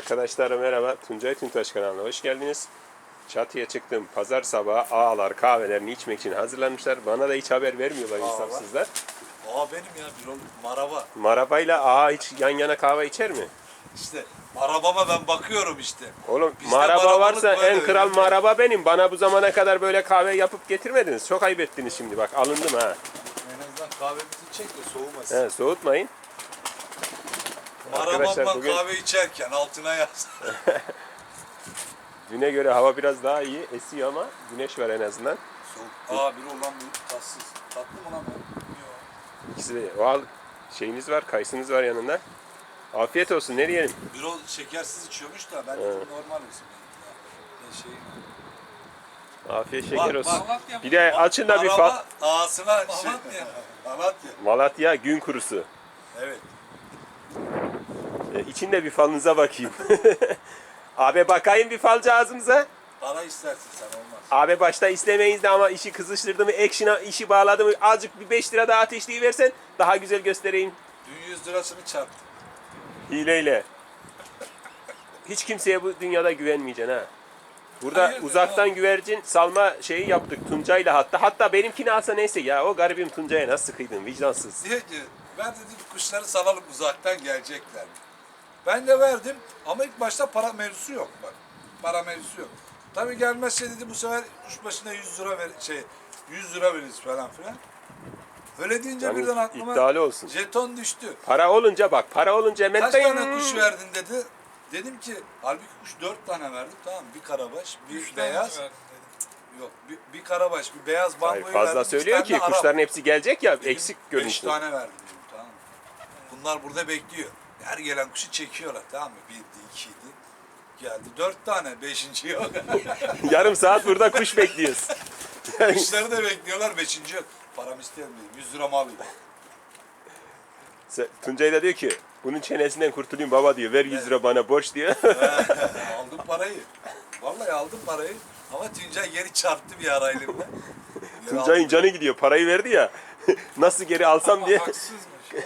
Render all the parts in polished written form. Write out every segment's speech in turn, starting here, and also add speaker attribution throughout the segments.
Speaker 1: Arkadaşlar merhaba, Tuncay Tüntaş kanalına hoş geldiniz. Çatıya çıktım, pazar sabahı ağalar kahvelerini içmek için hazırlanmışlar. Bana da hiç haber vermiyorlar insafsızlar.
Speaker 2: Ağa benim ya, bir ol maraba.
Speaker 1: Marabayla ağa hiç yan yana kahve içer mi?
Speaker 2: İşte marabama ben bakıyorum işte.
Speaker 1: Oğlum
Speaker 2: Bizde
Speaker 1: maraba
Speaker 2: marabalık
Speaker 1: varsa
Speaker 2: böyle,
Speaker 1: en kral
Speaker 2: öyle mi?
Speaker 1: maraba benim. Bana bu zamana kadar böyle kahve yapıp getirmediniz. Çok ayıp ettiniz şimdi bak, alındım ha.
Speaker 2: En azından kahvemizi çek de soğumasın.
Speaker 1: He, soğutmayın. Arkadaşlar
Speaker 2: Marabamla
Speaker 1: bugün-
Speaker 2: kahve içerken altına yaz.
Speaker 1: Düne göre hava biraz daha iyi esiyor ama güneş var en azından.
Speaker 2: Soğuk. Aa, bir olan bu tatsız. Tatlı mı lan bu?
Speaker 1: İkisi de o şeyiniz var, kayısınız var yanında. Afiyet olsun, ne diyelim?
Speaker 2: Bir ol şekersiz içiyormuş da ben normal olsun. Ne şey.
Speaker 1: Afiyet şeker
Speaker 2: Bak,
Speaker 1: olsun.
Speaker 2: bak.
Speaker 1: Bir de açın da bir
Speaker 2: Maraba ağasına şey. Malatya.
Speaker 1: Malatya gün kurusu.
Speaker 2: Evet.
Speaker 1: İçinde bir falınıza bakayım. Abi bakayım bir falcı ağzımıza.
Speaker 2: Para istersin sen, olmaz.
Speaker 1: Abi başta istemeyiz de ama işi kızıştırdı mı, action'a işi bağladı mı, azıcık bir 5 lira daha ateşleyiversen daha güzel göstereyim.
Speaker 2: Dün 100 lirasını çarptı.
Speaker 1: Hileyle. Hiç kimseye bu dünyada güvenmeyeceksin ha. Burada
Speaker 2: Hayırdır
Speaker 1: uzaktan
Speaker 2: abi?
Speaker 1: güvercin salma şeyi yaptık Tuncay'la hatta. Hatta benimkini alsa neyse ya, o garibim Tuncay'a nasıl kıydın vicdansız.
Speaker 2: Diyor ki ben dedim kuşları salalım, uzaktan gelecekler. Ben de verdim ama ilk başta para mevzusu yok bak. Para mevzusu yok. Tabii gelmezse dedi bu sefer kuş başına 100 lira 100 lira veririz falan filan. Öyle deyince
Speaker 1: Yani
Speaker 2: birden aklıma
Speaker 1: iddialı olsun.
Speaker 2: jeton düştü.
Speaker 1: Para olunca bak, para olunca hemen
Speaker 2: Kaç
Speaker 1: dayın.
Speaker 2: tane kuş verdin dedi. Dedim ki halbuki kuş 4 tane verdim, tamam mı? Bir karabaş, bir beyaz. Yok, bir karabaş, bir beyaz
Speaker 1: Hayır,
Speaker 2: bangoyu
Speaker 1: fazla
Speaker 2: verdim.
Speaker 1: söylüyor
Speaker 2: iki tane
Speaker 1: ki
Speaker 2: Arap.
Speaker 1: kuşların hepsi gelecek ya,
Speaker 2: Dedim,
Speaker 1: eksik
Speaker 2: 5
Speaker 1: görünüşlü.
Speaker 2: tane verdim dedim, tamam mı? Bunlar burada bekliyor. Her gelen kuşu çekiyorlar, tamam mı? 1'di, 2'ydi. Geldi 4 tane, 5. yok.
Speaker 1: Yarım saat burada kuş bekliyoruz.
Speaker 2: Kuşları da bekliyorlar, 5. yok. Param isteyen dedim, 100 lira mı alayım?
Speaker 1: Tuncay da diyor ki bunun çenesinden kurtulayım baba diyor. Ver 100 lira bana borç diyor.
Speaker 2: Aldım parayı. Vallahi aldım parayı. Ama Tuncay geri çarptı bir ara elimle. Geri
Speaker 1: Tuncay'ın canı gidiyor. Parayı verdi ya. Nasıl geri alsam
Speaker 3: Ama
Speaker 1: diye.
Speaker 3: haksızmış.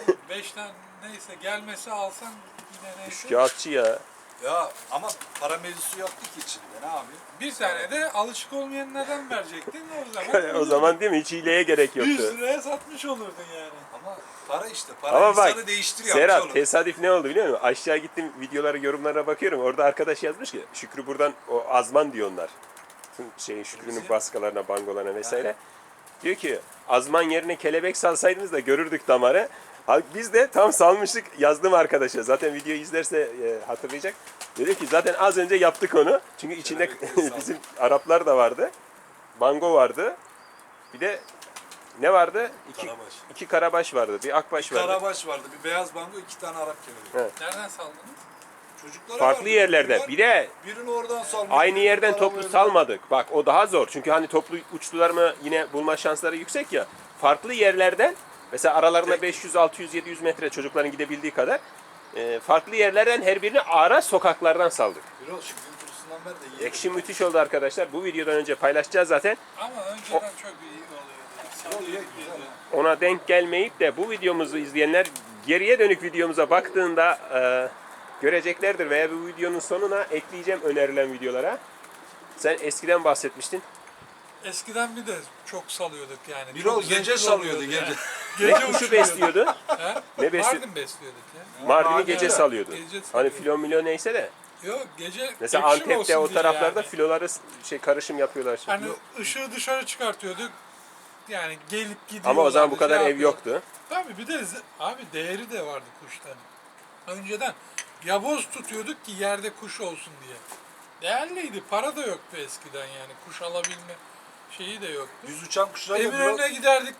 Speaker 3: 5 tane neyse gelmesi alsan yine neyse.
Speaker 1: Kağıtçı ya.
Speaker 2: Ya ama para mevzusu yoktu ki içinde, ne yapayım?
Speaker 3: Bir tane de alışık olmayan neden verecektin o zaman?
Speaker 1: O zaman değil mi? Hiç hileye gerek
Speaker 3: 100
Speaker 1: yoktu.
Speaker 3: liraya satmış olurdun yani.
Speaker 2: Ama para işte, para
Speaker 1: Ama
Speaker 2: insanı
Speaker 1: bak
Speaker 2: değiştiriyor.
Speaker 1: Serhat
Speaker 2: amcaoğlu.
Speaker 1: tesadüf ne oldu biliyor musun? Aşağı gittim videolara, yorumlara bakıyorum. Orada arkadaş yazmış ki Şükrü buradan o azman diyor onlar. Şükrü'nün baskılarına, bangolarına vesaire. Diyor ki azman yerine kelebek salsaydınız da görürdük damarı. Biz de tam salmıştık, yazdım arkadaşa. Zaten videoyu izlerse hatırlayacak. Dedim ki zaten az önce yaptık onu. Çünkü içinde
Speaker 2: Kelebekleri saldık.
Speaker 1: bizim Araplar da vardı. Bango vardı. Bir de ne vardı?
Speaker 2: Karabaş.
Speaker 1: İki karabaş vardı. Bir akbaş
Speaker 2: Bir
Speaker 1: vardı.
Speaker 2: karabaş vardı, bir beyaz bango, 2 tane Arap kelebeği.
Speaker 3: Nereden saldınız?
Speaker 2: Çocuklara
Speaker 1: Farklı
Speaker 2: verdik.
Speaker 1: yerlerde. Bir de
Speaker 2: Birini oradan salmış.
Speaker 1: aynı
Speaker 2: birini
Speaker 1: yerden
Speaker 2: karabaşa.
Speaker 1: toplu salmadık. Bak o daha zor. Çünkü hani toplu uçtular mı yine bulma şansları yüksek ya. Farklı yerlerden mesela aralarında 500, 600, 700 metre çocukların gidebildiği kadar farklı yerlerden her birini ara sokaklardan saldık.
Speaker 2: Bir o Şükrü'nün kurusundan ver de yiyelim.
Speaker 1: Ekşi müthiş oldu arkadaşlar. Bu videodan önce paylaşacağız zaten.
Speaker 3: Ama önceden çok iyi oluyordu.
Speaker 2: Oluyor, güzel.
Speaker 1: Ona denk gelmeyip de bu videomuzu izleyenler geriye dönük videomuza baktığında göreceklerdir veya bu videonun sonuna ekleyeceğim önerilen videolara. Sen eskiden bahsetmiştin.
Speaker 3: Eskiden bir de çok salıyorduk yani.
Speaker 2: Bir
Speaker 3: Çok
Speaker 2: o gece
Speaker 3: zevkli
Speaker 2: salıyordu,
Speaker 3: oluyordu
Speaker 2: gece.
Speaker 3: yani.
Speaker 1: Ne
Speaker 3: Gece
Speaker 1: kuşu
Speaker 3: uçuyorduk.
Speaker 1: besliyordu?
Speaker 3: He?
Speaker 1: Ne besliyordu?
Speaker 3: Mardin besliyorduk ya.
Speaker 1: Mardin'i gece
Speaker 2: Mardin'de.
Speaker 1: salıyordu.
Speaker 3: Gece
Speaker 1: Hani
Speaker 3: salıyordu.
Speaker 1: filo milo neyse de.
Speaker 3: Yok gece
Speaker 1: Mesela
Speaker 3: action
Speaker 1: Antep'te
Speaker 3: olsun
Speaker 1: o
Speaker 3: diye
Speaker 1: taraflarda
Speaker 3: yani.
Speaker 1: filoları karışım yapıyorlar. Şimdi.
Speaker 3: Hani ışığı dışarı çıkartıyorduk. Yani gelip gidiyor.
Speaker 1: Ama o zaman bu kadar ev yoktu.
Speaker 3: Tabii bir de abi değeri de vardı kuşların. Önceden yavoz tutuyorduk ki yerde kuş olsun diye. Değerliydi. Para da yoktu eskiden yani. Kuş alabilme şeyi de yoktu.
Speaker 2: Düz uçan kuşlar da
Speaker 3: Eminönü'ne giderdik.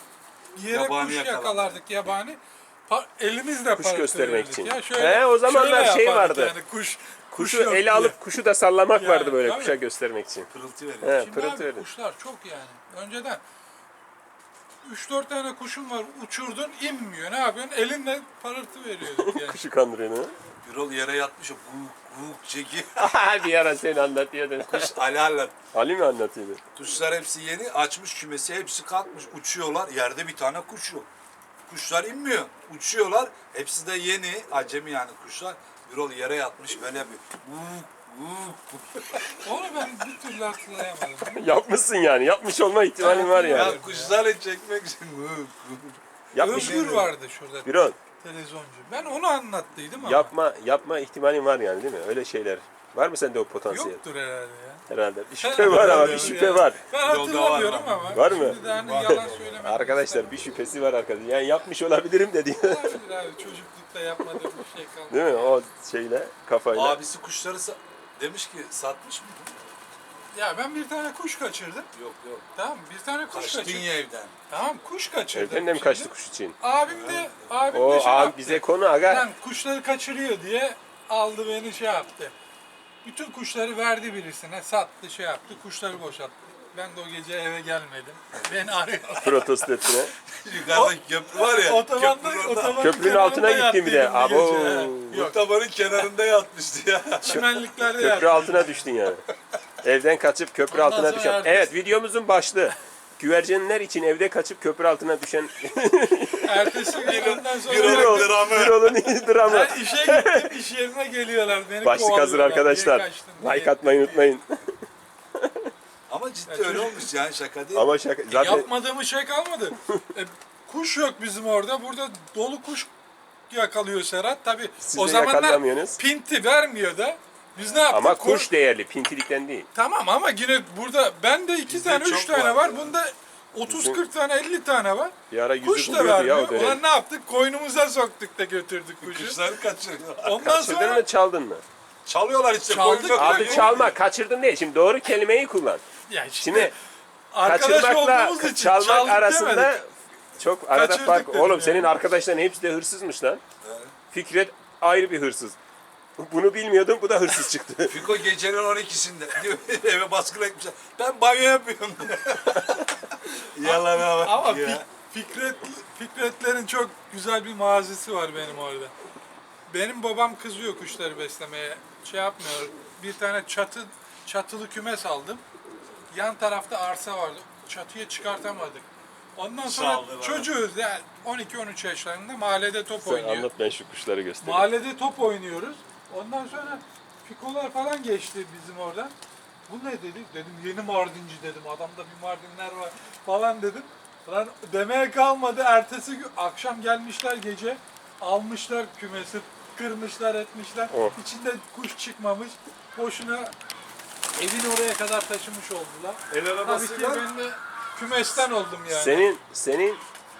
Speaker 3: Yere
Speaker 2: Yabani
Speaker 3: kuş
Speaker 2: yakalardık.
Speaker 1: Kuş
Speaker 3: yakalardık yabani. Elimizle para
Speaker 1: göstermek
Speaker 3: verirdik
Speaker 1: için.
Speaker 3: Ya şöyle,
Speaker 1: He, o zamanlar
Speaker 3: şöyle
Speaker 1: şey
Speaker 3: yapardık
Speaker 1: vardı.
Speaker 3: Yani kuş
Speaker 1: Kuşu
Speaker 3: yok
Speaker 1: ele
Speaker 3: diye.
Speaker 1: alıp kuşu da sallamak
Speaker 3: Yani,
Speaker 1: vardı böyle
Speaker 3: tabii.
Speaker 1: kuşa göstermek için.
Speaker 2: pırıltı veriyor.
Speaker 1: He,
Speaker 3: Şimdi
Speaker 1: pırıltı
Speaker 3: abi
Speaker 1: verin.
Speaker 3: kuşlar çok yani. Önceden 3-4 tane kuşun var, uçurdun inmiyor. Ne yapıyorsun? Elinle parıltı veriyorduk yani.
Speaker 1: Kuşu kandırıyor.
Speaker 2: Bir ol yere yatmış, o guguk çekiyor.
Speaker 1: Bir ara sen anlatıyordun.
Speaker 2: Kuş alalet.
Speaker 1: Ali mi anlatıyordu?
Speaker 2: Kuşlar hepsi yeni, açmış kümesi, hepsi kalkmış, uçuyorlar. Yerde bir tane kuş yok. Kuşlar inmiyor, uçuyorlar. Hepsi de yeni, acemi yani kuşlar. Birol yere yatmış böyle bir.
Speaker 3: Onu ben bir türlü hatırlayamadım.
Speaker 1: Yapmışsın yani. Yapmış olma ihtimalin var yani.
Speaker 2: Ya kuşları çekmek için.
Speaker 1: Yapmış.
Speaker 3: Özgür vardı şurada.
Speaker 1: Birol,
Speaker 3: Televizyoncu. Ben onu anlattıydım ama.
Speaker 1: yapma ihtimalin var yani değil mi? Öyle şeyler. Var mı sende o potansiyel?
Speaker 3: Yoktur herhalde ya.
Speaker 1: Herhalde. Bir şüphe var ama bir şüphe var.
Speaker 3: Ben
Speaker 2: Yolda
Speaker 3: hatırlamıyorum
Speaker 2: var
Speaker 3: ama.
Speaker 1: Var mı?
Speaker 3: Şimdi de hani yalan söylemek
Speaker 1: Arkadaşlar bir şüphesi var arkadaşlar. Yani yapmış olabilirim dedi.
Speaker 3: Olabilir abi. Çocuklukta yapmadığım bir şey kalmadı.
Speaker 1: Değil mi? O şeyle, kafayla.
Speaker 2: Abisi kuşları demiş ki satmış mı?
Speaker 3: Ya ben bir tane kuş kaçırdım.
Speaker 2: Yok yok.
Speaker 3: Tamam bir tane kuş
Speaker 2: Kaçtın
Speaker 3: kaçırdım.
Speaker 2: ya evden.
Speaker 3: Tamam kuş kaçırdım.
Speaker 1: Evden de mi
Speaker 3: şimdi.
Speaker 1: kaçtı kuş için?
Speaker 3: Abim de
Speaker 1: O
Speaker 3: şey
Speaker 1: abi
Speaker 3: yaptı.
Speaker 1: bize konu aga.
Speaker 3: Lan kuşları kaçırıyor diye aldı beni şey yaptı. Bütün kuşları verdi birisine, sattı, şey yaptı, kuşları boşalttı. Ben de o gece eve gelmedim. Beni arıyor.
Speaker 1: Protesto ettiğine.
Speaker 2: Yukarıdaki köprü var ya.
Speaker 3: Otobanın
Speaker 1: Köprünün altına
Speaker 3: kenarında
Speaker 1: gittin bir de.
Speaker 3: yattıydım
Speaker 1: Abo.
Speaker 3: gece, he. Yok,
Speaker 2: Otobanın kenarında yatmıştı ya.
Speaker 3: çimenliklerde
Speaker 1: Köprü
Speaker 3: yattım.
Speaker 1: altına düştün yani. Evden kaçıp köprü
Speaker 3: Ondan
Speaker 1: altına
Speaker 3: sonra
Speaker 1: düşen.
Speaker 3: ertesi-
Speaker 1: Evet, videomuzun başlığı. Güvercinler için evde kaçıp köprü altına düşen
Speaker 3: Ertesi gün ondan sonra
Speaker 2: Bir
Speaker 1: Birol,
Speaker 2: dramı.
Speaker 1: Birol'un dramı.
Speaker 3: ben işe gittim, iş yerine geliyorlar. Beni
Speaker 1: Başlık hazır
Speaker 3: kovalıyorlar.
Speaker 1: arkadaşlar.
Speaker 3: Niye kaçtın diye.
Speaker 1: Like atmayı unutmayın.
Speaker 2: Ama ciddi
Speaker 3: Ya
Speaker 2: öyle
Speaker 3: çocuk-
Speaker 2: olmuş yani şaka değil.
Speaker 1: Ama şaka zaten
Speaker 3: Yapmadığımız şey kalmadı. Kuş yok bizim orada. Burada dolu kuş yakalıyor Serhat. Tabii
Speaker 1: Siz
Speaker 3: o
Speaker 1: de
Speaker 3: zamanlar
Speaker 1: yakalayamıyorsunuz.
Speaker 3: pinti vermiyor da. Biz ne yaptık?
Speaker 1: ama kuş değerli, pintilikten değil.
Speaker 3: Tamam ama yine burada bende 2
Speaker 2: Bizde
Speaker 3: tane 3
Speaker 2: çok
Speaker 3: tane
Speaker 2: var.
Speaker 3: var. Bunda 30-40 tane 50 tane var.
Speaker 1: Bir ara yüzü
Speaker 3: Kuş da
Speaker 1: buluyordu ya
Speaker 3: vermiyor.
Speaker 1: o dönem.
Speaker 3: Ulan ne yaptık? Koynumuza soktuk da götürdük kuşu.
Speaker 2: Kuşları kaçırıyor.
Speaker 3: Ondan
Speaker 1: Kaçırdın
Speaker 3: sonra
Speaker 1: mı, çaldın mı?
Speaker 2: Çalıyorlar işte.
Speaker 3: Çaldık.
Speaker 2: koyunda
Speaker 1: Abi
Speaker 2: koyuyor.
Speaker 1: çalma, kaçırdın değil. Şimdi doğru kelimeyi kullan.
Speaker 3: ya işte
Speaker 1: Şimdi
Speaker 3: arkadaş
Speaker 1: kaçırmakla
Speaker 3: olduğumuz için
Speaker 1: çalmak
Speaker 3: çaldık
Speaker 1: arasında
Speaker 3: demedik.
Speaker 1: çok arada
Speaker 3: Kaçırdık
Speaker 1: fark.
Speaker 3: dedim
Speaker 1: Oğlum
Speaker 3: yani.
Speaker 1: senin arkadaşların hepsi de hırsızmış lan.
Speaker 2: Evet.
Speaker 1: Fikret ayrı bir hırsız. Bunu bilmiyordum, bu da hırsız çıktı.
Speaker 2: Fiko gecenin 12'sinde diyor eve baskın etmişler. Ben banyo yapıyorum. Yalan bak
Speaker 3: Ama
Speaker 2: ya.
Speaker 3: Fikretlerin çok güzel bir mazisi var benim orada. Benim babam kızıyor kuşları beslemeye. Şey yapmıyor. Bir tane çatılı kümes aldım. Yan tarafta arsa vardı. Çatıya çıkartamadık. Ondan sonra
Speaker 2: Sağ ol, bana.
Speaker 3: çocuğuz yani 12-13 yaşlarında mahallede top
Speaker 1: Sen
Speaker 3: oynuyor.
Speaker 1: anlat, ben şu kuşları göstereyim.
Speaker 3: Mahallede top oynuyoruz. Ondan sonra fikolar falan geçti bizim oradan. Bu ne dedi? Dedim yeni Mardinci dedim. Adamda bir Mardinler var falan dedim. Lan demeye kalmadı. Ertesi gün akşam gelmişler gece. Almışlar kümesi. Kırmışlar etmişler.
Speaker 1: Oh.
Speaker 3: İçinde kuş çıkmamış. Boşuna evin oraya kadar taşımış oldular.
Speaker 2: El
Speaker 3: Tabii ki
Speaker 2: arabasıyla
Speaker 3: ben de kümesten oldum yani.
Speaker 1: Senin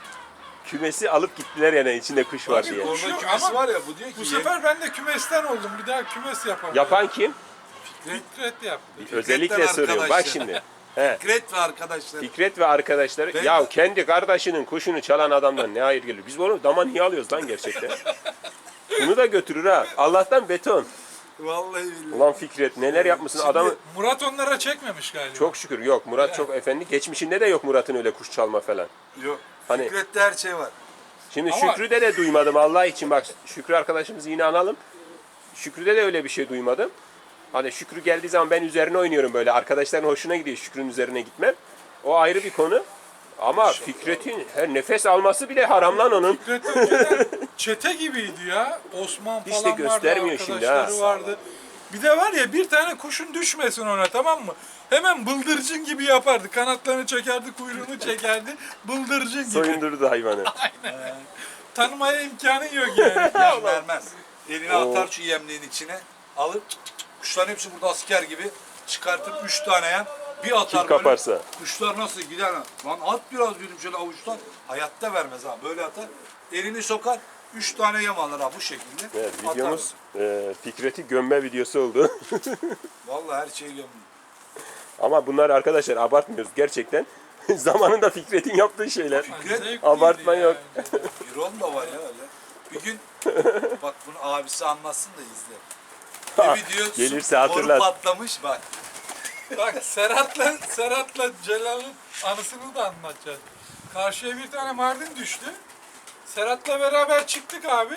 Speaker 1: kümesi alıp gittiler yani, içinde kuş var
Speaker 3: Tabii,
Speaker 1: diye.
Speaker 3: kuş-
Speaker 2: orada
Speaker 3: Yok,
Speaker 2: kümesi
Speaker 3: ama
Speaker 2: var ya bu diyor ki
Speaker 3: Bu sefer ben de kümesten oldum. Bir daha kümes yapamam.
Speaker 1: Yapan kim?
Speaker 3: Fikret yaptı.
Speaker 1: Özellikle soruyorum. Bak
Speaker 2: arkadaşlar.
Speaker 1: şimdi. He.
Speaker 2: Fikret ve arkadaşlar.
Speaker 1: Fikret ve arkadaşları,
Speaker 2: Ben-
Speaker 1: ya kendi kardeşinin kuşunu çalan adamdan ne hayır gelir? Biz bunu dama niye alıyoruz lan gerçekten? Bunu da götürür ha. Allah'tan beton.
Speaker 2: Vallahi billahi.
Speaker 1: Ulan Fikret neler yapmışsın
Speaker 2: Şimdi-
Speaker 1: adamı.
Speaker 3: Murat onlara çekmemiş galiba.
Speaker 1: Çok şükür yok. Murat çok efendi. Geçmişinde de yok Murat'ın öyle kuş çalma falan.
Speaker 2: Yok.
Speaker 1: Hani-
Speaker 2: Fikret'te her şey var.
Speaker 1: Şimdi
Speaker 3: Ama-
Speaker 1: Şükrü'de de duymadım Allah için, bak Şükrü arkadaşımızı yine analım. Şükrü'de de öyle bir şey duymadım. Hani Şükrü geldiği zaman ben üzerine oynuyorum böyle. Arkadaşların hoşuna gidiyor Şükrü'nün üzerine gitmem. O ayrı bir konu. Ama Fikret'in her nefes alması bile haram lan onun.
Speaker 3: Fikret önceden çete gibiydi ya. Osman
Speaker 1: Hiç de
Speaker 3: falan
Speaker 1: göstermiyor
Speaker 3: vardı,
Speaker 1: şimdi
Speaker 3: arkadaşları
Speaker 1: ha.
Speaker 3: vardı. Bir de var ya bir tane kuşun düşmesin ona, tamam mı? Hemen bıldırcın gibi yapardı. Kanatlarını çekerdi, kuyruğunu çekerdi. Bıldırcın gibi.
Speaker 1: Soyundurdu hayvanı.
Speaker 3: Tanımaya imkanın yok yani.
Speaker 2: Yem vermez. Eline
Speaker 1: Oo.
Speaker 2: atar şu yemliğin içine. Alır kuşların hepsi burada asker gibi çıkartıp 3 tane yem bir atar
Speaker 1: Kim kaparsa.
Speaker 2: Kuşlar nasıl gider lan at biraz dedim şöyle avuçtan. Hayatta vermez ha böyle atar. Elini sokar 3 tane yem alır ha bu şekilde.
Speaker 1: Evet,
Speaker 2: atar.
Speaker 1: videomuz Fikret'i gömme videosu oldu.
Speaker 2: Vallahi her şeyi gömdüm.
Speaker 1: Ama bunlar arkadaşlar abartmıyoruz gerçekten. Zamanında Fikret'in yaptığı şeyler.
Speaker 3: Zevkliydi
Speaker 1: Abartma
Speaker 3: ya
Speaker 1: yok.
Speaker 3: önceden.
Speaker 2: Bir ron da var ya öyle. Bir gün bak bunu abisi anlatsın da izle. Bir video
Speaker 1: Gelirse
Speaker 2: boru
Speaker 1: hatırlat.
Speaker 2: patlamış bak.
Speaker 3: Bak Serhat'la Celal'ın anısını da anlatacağız. Karşıya bir tane Mardin düştü. Serhat'la beraber çıktık abi.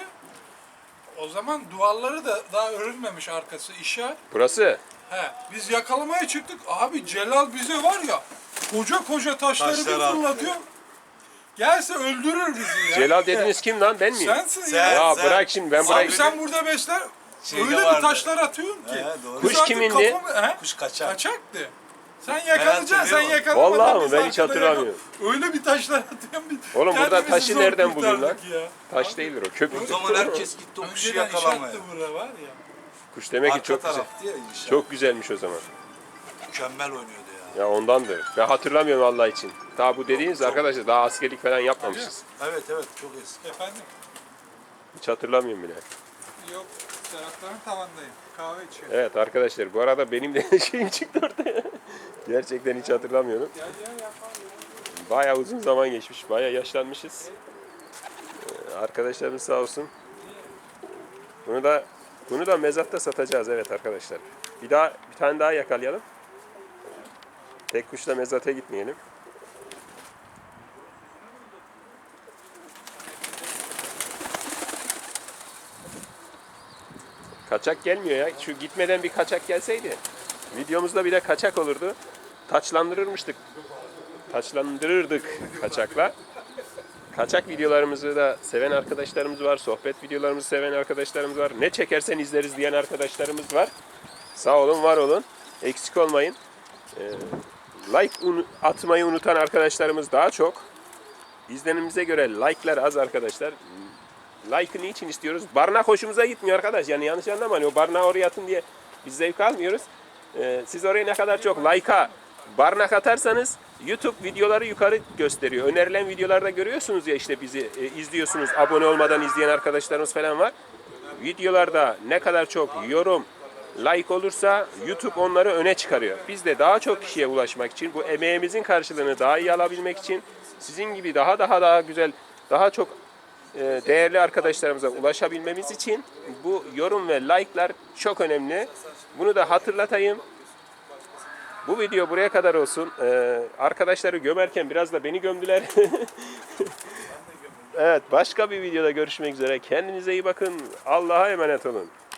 Speaker 3: O zaman duvarları da daha örülmemiş arkası işe.
Speaker 1: Burası
Speaker 3: He, biz yakalamaya çıktık. Abi Celal bize var ya koca koca taşları
Speaker 2: Taşları
Speaker 3: bir
Speaker 2: attı.
Speaker 3: fırlatıyor. Gelse öldürür bizi ya.
Speaker 1: Celal dediğiniz kim lan, ben miyim?
Speaker 3: Sensin
Speaker 2: Sen-
Speaker 3: ya.
Speaker 1: Ya
Speaker 2: sen-
Speaker 1: bırak şimdi, ben
Speaker 3: Abi
Speaker 1: burayı...
Speaker 3: sen burada besler.
Speaker 2: şeyde
Speaker 3: Öyle bir
Speaker 2: vardı.
Speaker 3: taşlar atıyorum ki.
Speaker 2: Doğru.
Speaker 1: Kuş
Speaker 3: Biz artık
Speaker 1: kimindi?
Speaker 2: Kuş kaçar.
Speaker 3: Kaçaktı. Sen yakalayacaksın, sen
Speaker 2: hatırlıyorum.
Speaker 3: yakalamadan
Speaker 1: Vallahi mi?
Speaker 3: biz
Speaker 1: Ben hiç
Speaker 3: arkada
Speaker 1: hatırlamıyorum.
Speaker 3: Öyle bir taşlar atıyorum. Biz
Speaker 1: Oğlum burada
Speaker 3: kendimizi
Speaker 1: taşı
Speaker 3: zor
Speaker 1: nereden buluyorsun lan?
Speaker 3: kurtardık ya.
Speaker 1: Taş değildir o, köpük.
Speaker 2: O zaman herkes gitti o kuşu
Speaker 3: Önceden
Speaker 2: yakalamaya.
Speaker 3: inşaattı bura var ya.
Speaker 1: Kuş demek ki
Speaker 2: Arka
Speaker 1: çok güzel.
Speaker 2: taraftı ya inşaat.
Speaker 1: Çok güzelmiş o zaman.
Speaker 2: Mükemmel oynuyordu ya.
Speaker 1: Ya ondandır. Ben hatırlamıyorum Allah için. Daha bu dediğiniz arkadaşlar daha askerlik falan yapmamışız.
Speaker 2: Evet çok eski.
Speaker 3: Efendim?
Speaker 1: Hiç hatırlamıyorum bile.
Speaker 3: Yok, Serhatların tavandayım. Kahve içiyorum.
Speaker 1: Evet arkadaşlar bu arada benim de şeyim çıktı ortaya. Gerçekten hiç hatırlamıyorum.
Speaker 3: Gel yapalım.
Speaker 1: Bayağı uzun zaman geçmiş. Bayağı yaşlanmışız. Arkadaşlarımız sağ olsun. Bunu da mezatta satacağız evet arkadaşlar. Bir tane daha yakalayalım. Tek kuşla mezata gitmeyelim. Kaçak gelmiyor ya. Şu gitmeden bir kaçak gelseydi. Videomuzda bir de kaçak olurdu. Taçlandırırdık kaçakla. Kaçak videolarımızı da seven arkadaşlarımız var. Sohbet videolarımızı seven arkadaşlarımız var. Ne çekersen izleriz diyen arkadaşlarımız var. Sağ olun, var olun. Eksik olmayın. Like atmayı unutan arkadaşlarımız daha çok. İzlenimize göre like'lar az arkadaşlar. Like'ı niçin istiyoruz? Barınak hoşumuza gitmiyor arkadaş. Yani yanlış anlamayın. O barınağı oraya atın diye biz zevk almıyoruz. Siz oraya ne kadar çok like'a barınak atarsanız YouTube videoları yukarı gösteriyor. Önerilen videolarda görüyorsunuz ya işte bizi izliyorsunuz. Abone olmadan izleyen arkadaşlarımız falan var. Videolarda ne kadar çok yorum, like olursa YouTube onları öne çıkarıyor. Biz de daha çok kişiye ulaşmak için, bu emeğimizin karşılığını daha iyi alabilmek için sizin gibi daha güzel, daha çok değerli arkadaşlarımıza ulaşabilmemiz için bu yorum ve like'lar çok önemli. Bunu da hatırlatayım. Bu video buraya kadar olsun. Arkadaşları gömerken biraz da beni gömdüler. Evet, başka bir videoda görüşmek üzere. Kendinize iyi bakın. Allah'a emanet olun.